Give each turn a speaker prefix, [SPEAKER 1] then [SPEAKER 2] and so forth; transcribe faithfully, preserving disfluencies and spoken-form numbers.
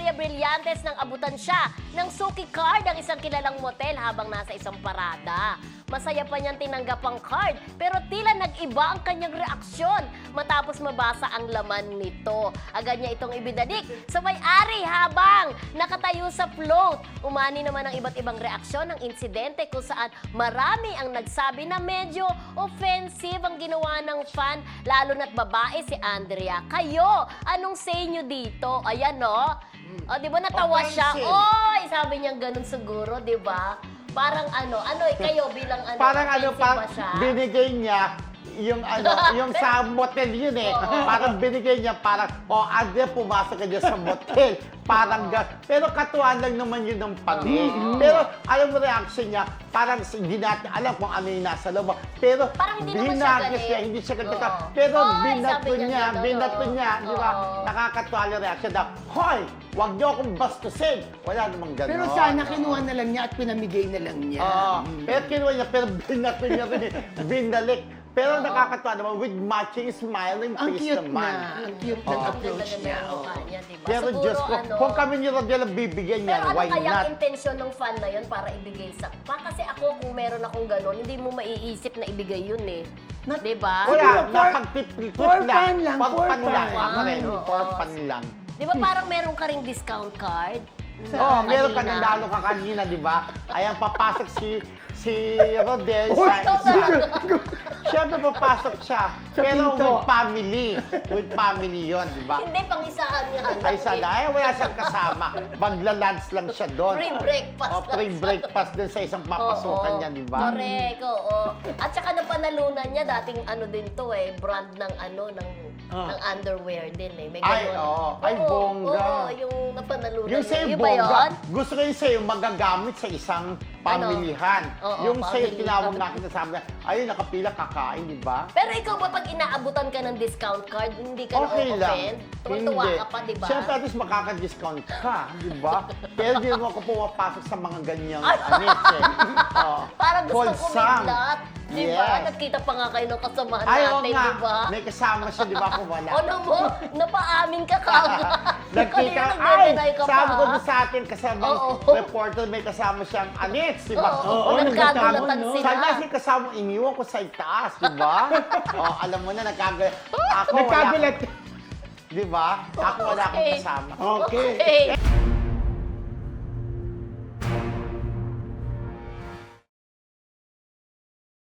[SPEAKER 1] Maria Brillantes nang abutan siya ng suki card ang isang kilalang motel habang nasa isang parada. Masaya pa niyang tinanggap ang card pero tila nag-iba ang kanyang reaksyon matapos mabasa ang laman nito. Agad niya itong ibidadik sa may-ari habang nakatayo sa float. Umani naman ang iba't ibang reaksyon ng insidente kung saan marami ang nagsabi na medyo offensive ang ginawa ng fan, lalo na't babae si Andrea. Kayo, anong say nyo dito? Ayan, no? O, di ba natawa siya?
[SPEAKER 2] Offensive.
[SPEAKER 1] Oy, sabi niya ganun siguro, di ba? Parang ano, ano, eh, kayo bilang ano,
[SPEAKER 2] Parang ano,
[SPEAKER 1] offensive
[SPEAKER 2] parang
[SPEAKER 1] ba siya?
[SPEAKER 2] binigay niya yung ano, yung sa motel yun eh. Parang binigay niya, parang, oh, Andrea, pumasok ka dyan sa motel. Parang, ga- pero katuan lang naman yun ng pati. Pero, alam mo reaction niya, parang hindi natin alam kung ano yung nasa loob. Pero,
[SPEAKER 1] Parang hindi naman siya
[SPEAKER 2] binagis
[SPEAKER 1] galit.
[SPEAKER 2] niya, hindi siya galit.
[SPEAKER 1] Oo.
[SPEAKER 2] Pero,
[SPEAKER 1] Hoy,
[SPEAKER 2] binato
[SPEAKER 1] sabi niya
[SPEAKER 2] niya,
[SPEAKER 1] gano'n,
[SPEAKER 2] binato
[SPEAKER 1] oo.
[SPEAKER 2] niya, di ba?
[SPEAKER 1] Oo.
[SPEAKER 2] Nakakatuwa yung reaction daw, hoy, wag niyo akong bastusin. Wala namang gano'n.
[SPEAKER 3] Pero sana kinuha na lang niya at pinamigay na lang niya.
[SPEAKER 2] Oo. Pero kinuha niya, pero binato niya rin, eh. binalik. Pero nakakatuwa naman, with matching smiling
[SPEAKER 3] Ang
[SPEAKER 2] face
[SPEAKER 3] cute
[SPEAKER 2] naman.
[SPEAKER 3] na. Ang cute ng
[SPEAKER 2] Oo.
[SPEAKER 3] approach niya.
[SPEAKER 1] Ang
[SPEAKER 3] oo.
[SPEAKER 1] mukha niya, di ba?
[SPEAKER 2] Pero
[SPEAKER 1] Siguro,
[SPEAKER 2] Diyos ko,
[SPEAKER 1] ano,
[SPEAKER 2] kung kami ni Rodel ang bibigyan
[SPEAKER 1] pero
[SPEAKER 2] niya,
[SPEAKER 1] ano
[SPEAKER 2] why
[SPEAKER 1] kaya
[SPEAKER 2] not?
[SPEAKER 1] ang intensyon ng fan na yun para ibigay sa... Pa, kasi ako, kung meron akong gano'n, hindi mo maiisip na ibigay yun eh.
[SPEAKER 3] Not-
[SPEAKER 1] Di ba?
[SPEAKER 2] Wala,
[SPEAKER 3] Siguro, for-
[SPEAKER 2] napag-tip-tip
[SPEAKER 3] for
[SPEAKER 2] lang.
[SPEAKER 3] fun lang,
[SPEAKER 2] For
[SPEAKER 3] for
[SPEAKER 2] fun lang.
[SPEAKER 3] fun.
[SPEAKER 2] Ako rin,
[SPEAKER 1] Oo.
[SPEAKER 2] for fun lang.
[SPEAKER 1] Di ba parang meron ka ring discount card?
[SPEAKER 2] Oo, oh, meron ka
[SPEAKER 1] kanina.
[SPEAKER 2] nanalo ka kanina, di ba? Ayan, papasok si si Rodel
[SPEAKER 3] Uy,
[SPEAKER 2] sa...
[SPEAKER 1] ikaw
[SPEAKER 2] sa
[SPEAKER 1] talaga.
[SPEAKER 2] Siyempre, papasok siya.
[SPEAKER 3] Sa
[SPEAKER 2] Pero
[SPEAKER 3] pinto.
[SPEAKER 2] with family. With family yon, di ba?
[SPEAKER 1] Hindi, pang-isahan nga. lang
[SPEAKER 2] Ay,
[SPEAKER 1] eh.
[SPEAKER 2] sana. Ay, wala siyang kasama. Magla-lunch lang siya doon.
[SPEAKER 1] Free breakfast
[SPEAKER 2] O,
[SPEAKER 1] lang
[SPEAKER 2] free
[SPEAKER 1] siya.
[SPEAKER 2] breakfast din sa isang papasukan
[SPEAKER 1] Oo.
[SPEAKER 2] niya, di ba?
[SPEAKER 1] Correct, oo. At saka napanalunan niya, dating ano din to eh, brand ng ano, ng,
[SPEAKER 3] Ah.
[SPEAKER 1] ng underwear din eh. May
[SPEAKER 2] Ay,
[SPEAKER 1] ganun.
[SPEAKER 2] oo. Ay,
[SPEAKER 1] Oo,
[SPEAKER 2] bongga.
[SPEAKER 1] Oo, yung napanalunan
[SPEAKER 2] Yung
[SPEAKER 1] niya.
[SPEAKER 2] sa'yo,
[SPEAKER 1] Yun ba
[SPEAKER 2] bongga,
[SPEAKER 1] yun?
[SPEAKER 2] gusto ko yung sa'yo magagamit sa isang pamilihan.
[SPEAKER 1] Ano? Oo,
[SPEAKER 2] yung sa'yo,
[SPEAKER 1] pamilihan.
[SPEAKER 2] tinawag natin na sabi na, ayun, nakapila, kakain, di ba?
[SPEAKER 1] Pero ikaw ba pag inaabutan ka ng discount card, hindi ka
[SPEAKER 2] Okay lang.
[SPEAKER 1] na-offend? Tuwa
[SPEAKER 2] Hindi.
[SPEAKER 1] ka pa, di ba?
[SPEAKER 2] Siyempre, at least makaka-discount ka, di ba? Pero di naman ako pumapasok sa mga ganyang
[SPEAKER 1] Ay!
[SPEAKER 2] anis eh. Oo.
[SPEAKER 1] Parang gusto ko
[SPEAKER 2] Wholesome.
[SPEAKER 1] midlat. Di ba?
[SPEAKER 2] Yes.
[SPEAKER 1] Nagkita pa nga kayo ng kasamahan
[SPEAKER 2] Ay, oo
[SPEAKER 1] natin,
[SPEAKER 2] nga.
[SPEAKER 1] di ba?
[SPEAKER 2] May kasama siya, di ba? Kung wala.
[SPEAKER 1] Ano mo? Napaamin ka kagad.
[SPEAKER 2] Nagkita,
[SPEAKER 1] Kanina
[SPEAKER 2] ay,
[SPEAKER 1] nagde-deny ka pa,
[SPEAKER 2] sabi ko
[SPEAKER 1] ha?
[SPEAKER 2] doon sa atin, kasama
[SPEAKER 1] Oo.
[SPEAKER 2] reporter, may kasama siyang anis, di ba?
[SPEAKER 1] Oo,
[SPEAKER 3] Oo,
[SPEAKER 1] nagkagulatan
[SPEAKER 3] nagkataon, no?
[SPEAKER 1] sila.
[SPEAKER 2] Sana si kasama iniwan ko sa itaas, di ba? oh, alam mo na, nagkagulat. Ako, wala.
[SPEAKER 3] Nagkagulat.
[SPEAKER 2] Di ba? Ako wala akong
[SPEAKER 1] Okay.
[SPEAKER 2] kasama.
[SPEAKER 3] Okay.
[SPEAKER 1] Okay.